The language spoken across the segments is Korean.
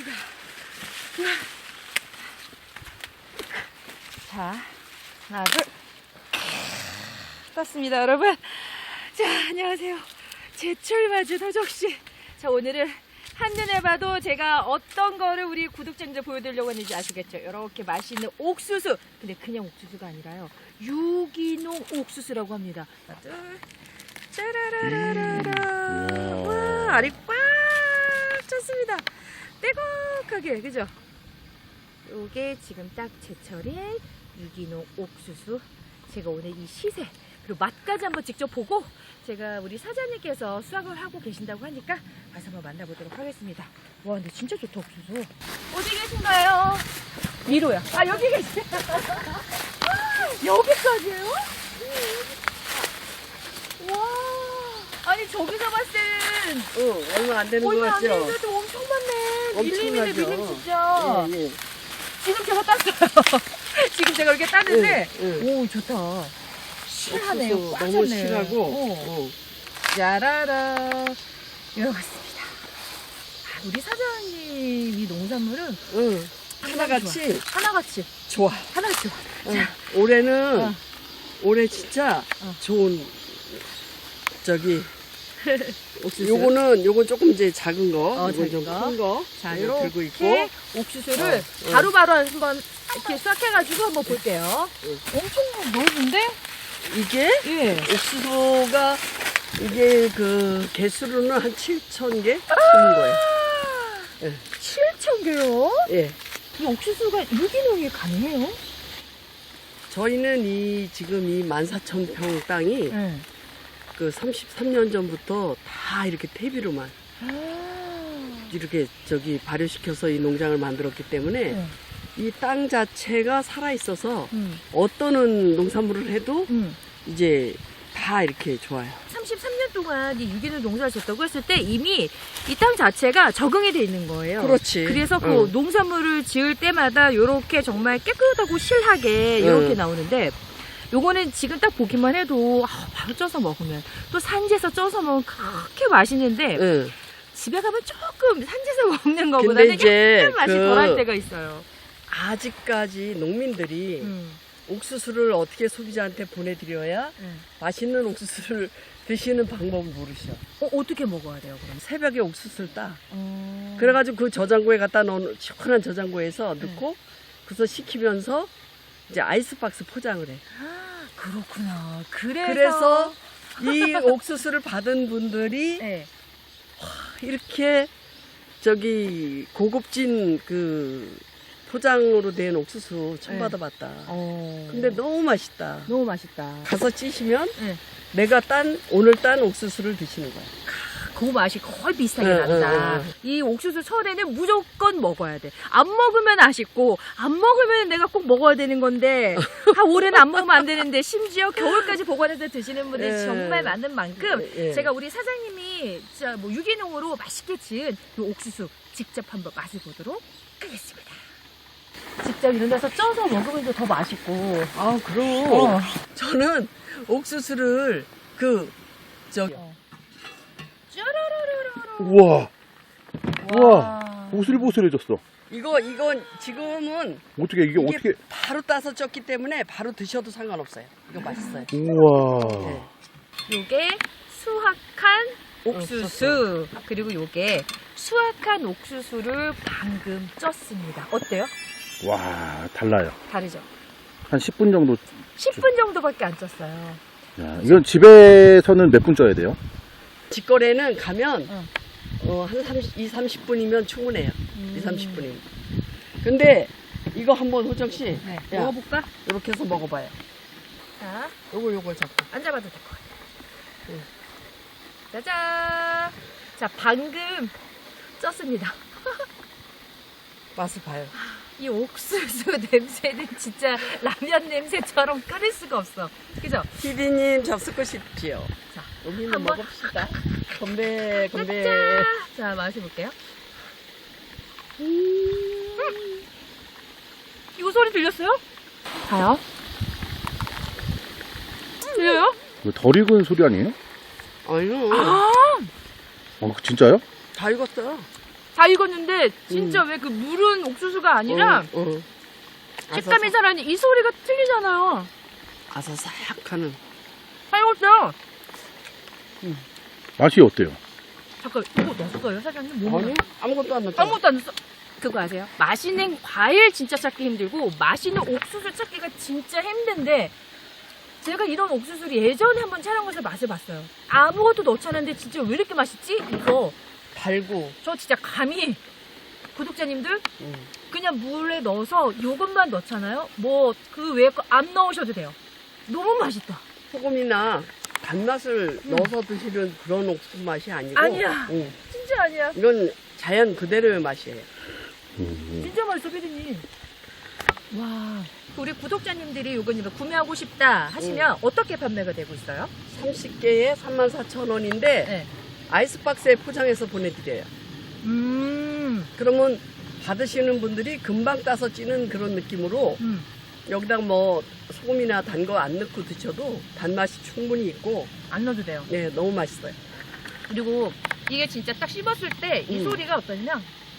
떴습니다. 자, 하나, 둘. 떴습니다, 여러분. 자, 안녕하세요. 제철 맞은 호정씨. 자, 오늘은 한눈에 봐도 제가 어떤 거를 우리 구독자님들 보여드리려고 했는지 아시겠죠? 이렇게 맛있는 옥수수. 근데 그냥 옥수수가 아니라요. 유기농 옥수수라고 합니다. 하나, 둘. 짜라라라라라. 와, 알이 꽉 찼습니다. 떼곡하게, 그죠? 요게 지금 딱 제철인 유기농 옥수수. 제가 오늘 이 시세 그리고 맛까지 한번 직접 보고 제가 우리 사장님께서 수확을 하고 계신다고 하니까 가서 한번 만나보도록 하겠습니다. 와, 근데 진짜 좋다, 옥수수. 어디 계신가요? 위로야. 아, 여기 계시네. 여기까지예요? 와, 아니 저기서 봤을 땐 얼마 안 되는 거 얼마 안 같죠? 되는데도 엄청 많네. 밀림이네, 엄청나죠. 밀림 진짜. 예, 예. 지금 제가 땄어요. 지금 제가 이렇게 땄는데, 응, 오, 좋다. 실하네요. 옥수수 꽉 너무 찼네. 실하고. 짜라라. 이렇습니다. 우리 사장님이 농산물은 응. 하나같이 좋아. 하나같이 좋아. 응. 올해는 어. 올해 진짜 좋은 저기 옥수수. 요건 조금 이제 작은 거, 요건 작은 좀 거. 큰 거. 자, 이거 들고 이렇게 있고. 옥수수를 바로바로 한번 이렇게 수확해가지고 한번 볼게요. 응. 엄청 넓은데? 이게 예. 옥수수가 이게 그 개수로는 한 7,000개 되는 거예요. 예. 7,000개요? 예. 이 옥수수가 유기농이 가능해요? 저희는 지금 이 14,000평 땅이 네. 그 33년 전부터 다 이렇게 퇴비로만 이렇게 저기 발효시켜서 이 농장을 만들었기 때문에 네. 이 땅 자체가 살아 있어서 어떤 농산물을 해도 이제 다 이렇게 좋아요. 33년 동안 이 유기농 농사를 졌다고 했을 때 이미 이 땅 자체가 적응이 돼 있는 거예요. 그렇지. 그래서 그 농산물을 지을 때마다 이렇게 정말 깨끗하고 실하게 이렇게 나오는데 요거는 지금 딱 보기만 해도 바로 쪄서 먹으면 또 산지에서 쪄서 먹으면 그렇게 맛있는데 응. 집에 가면 조금 산지에서 먹는 근데 거보다는 이제 약간 맛이 덜할 때가 있어요. 아직까지 농민들이 옥수수를 어떻게 소비자한테 보내드려야 맛있는 옥수수를 드시는 방법을 모르셔. 어떻게 먹어야 돼요, 그럼? 새벽에 옥수수를 따. 그래가지고 그 저장고에 갖다 넣은 시원한 저장고에서 넣고 그래서 식히면서 이제 아이스박스 포장을 해. 아, 그렇구나. 그래서 이 옥수수를 받은 분들이 네. 이렇게 저기 고급진 그 포장으로 된 옥수수 처음 네. 받아봤다. 어. 근데 너무 맛있다. 너무 맛있다. 가서 찌시면 네. 내가 오늘 딴 옥수수를 드시는 거야. 그 맛이 거의 비슷하게 응, 납니다. 응, 응. 이 옥수수 철에는 무조건 먹어야 돼. 안 먹으면 아쉽고 안 먹으면 내가 꼭 먹어야 되는 건데 올해는 안 먹으면 안 되는데 심지어 겨울까지 보관해서 드시는 분들이 예. 정말 많은 만큼 예. 제가 우리 사장님이 진짜 뭐 유기농으로 맛있게 지은 이 옥수수 직접 한번 맛을 보도록 하겠습니다. 직접 이런 데서 쪄서 먹으면 더 맛있고. 아, 그럼. 어. 저는 옥수수를 저기 쭈루루루루. 우와, 우와, 와. 보슬보슬해졌어. 이건 지금은 어떻게, 이게 어떻게, 바로 따서 쪘기 때문에 바로 드셔도 상관없어요. 이거 맛있어요. 우와. 네. 요게 수확한 옥수수 그리고 요게 수확한 옥수수를 방금 쪘습니다. 어때요? 와, 달라요. 다르죠? 한 10분 정도. 10분 정도밖에 안 쪘어요. 야, 이건 집에서는 몇 분 쪄야 돼요? 직거래는 가면 응. 한 30분이면 충분해요. 30분이면. 근데 이거 한번 호정 씨, 네. 야, 먹어볼까? 이렇게 해서 먹어봐요. 자, 요걸 잡고. 앉아봐도 될 것 같아요. 짜잔! 자, 방금 쪘습니다. 맛을 봐요. 이 옥수수 냄새는 진짜 라면 냄새처럼 끓일 수가 없어. 그죠? 피디님 접수하십시오. 자, 여기는 한번. 먹읍시다. 건배, 건배. 짠! 자, 마셔볼게요. 이거 소리 들렸어요? 봐요. 들려요? 이거 덜 익은 소리 아니에요? 아유, 아! 진짜요? 다 익었어요. 다 익었는데 진짜 왜 그 물은 옥수수가 아니라 식감이 살아있는 이 소리가 틀리잖아요. 아사삭하는. 잘 익었어요. 맛이 어때요? 잠깐 이거 넣었어요 사장님? 뭐 아니, 아무것도 안 넣었어. 아무것도 안 넣었어. 그거 아세요? 맛있는 과일 진짜 찾기 힘들고 맛있는 옥수수 찾기가 진짜 힘든데 제가 이런 옥수수를 예전에 한번 촬영해서 맛을 봤어요. 아무것도 넣지 않았는데 진짜 왜 이렇게 맛있지? 이거 달고. 저 진짜 감히 구독자님들 그냥 물에 넣어서 요것만 넣잖아요. 뭐 그 외에 거 안 넣으셔도 돼요. 너무 맛있다. 소금이나 단맛을 넣어서 드시는 그런 옥수수 맛이 아니고. 아니야. 진짜 아니야. 이건 자연 그대로의 맛이에요. 진짜 맛있어, 피디님. 와, 우리 구독자님들이 이건 구매하고 싶다 하시면 어떻게 판매가 되고 있어요? 30개에 34,000원인데 네. 아이스박스에 포장해서 보내드려요. 그러면 받으시는 분들이 금방 따서 찌는 그런 느낌으로 여기다 뭐 소금이나 단 거 안 넣고 드셔도 단맛이 충분히 있고 안 넣어도 돼요. 네, 너무 맛있어요. 그리고 이게 진짜 딱 씹었을 때 이 소리가 어떠냐면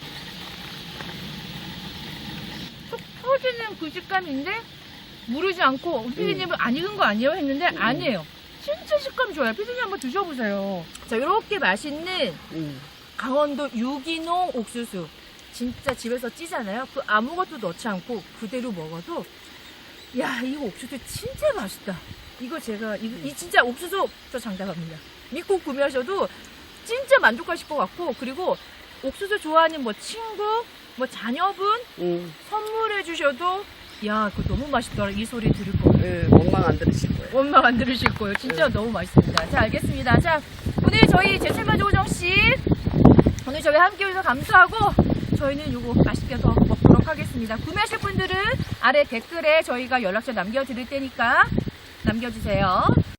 속 터지는 그 식감인데 무르지 않고 피디님은 안 익은 거 아니에요? 했는데 아니에요. 진짜 식감 좋아요. 피디님 한번 드셔보세요. 자, 이렇게 맛있는 강원도 유기농 옥수수 진짜 집에서 찌잖아요. 그 아무것도 넣지 않고 그대로 먹어도 야, 이거 옥수수 진짜 맛있다. 이거 제가 이 진짜 옥수수 저 장담합니다. 믿고 구매하셔도 진짜 만족하실 것 같고 그리고 옥수수 좋아하는 뭐 친구, 뭐 자녀분 선물해 주셔도 야, 그거 너무 맛있더라. 이 소리 들을 거예요. 네, 원망 안 들으실 거예요. 원망 안 들으실 거예요. 진짜 너무 맛있습니다. 자, 알겠습니다. 자, 오늘 저희 제철마주 오정씨 오늘 저희 함께 해주셔서 감사하고 저희는 요거 맛있게 더 먹도록 하겠습니다. 구매하실 분들은 아래 댓글에 저희가 연락처 남겨드릴 테니까 남겨주세요.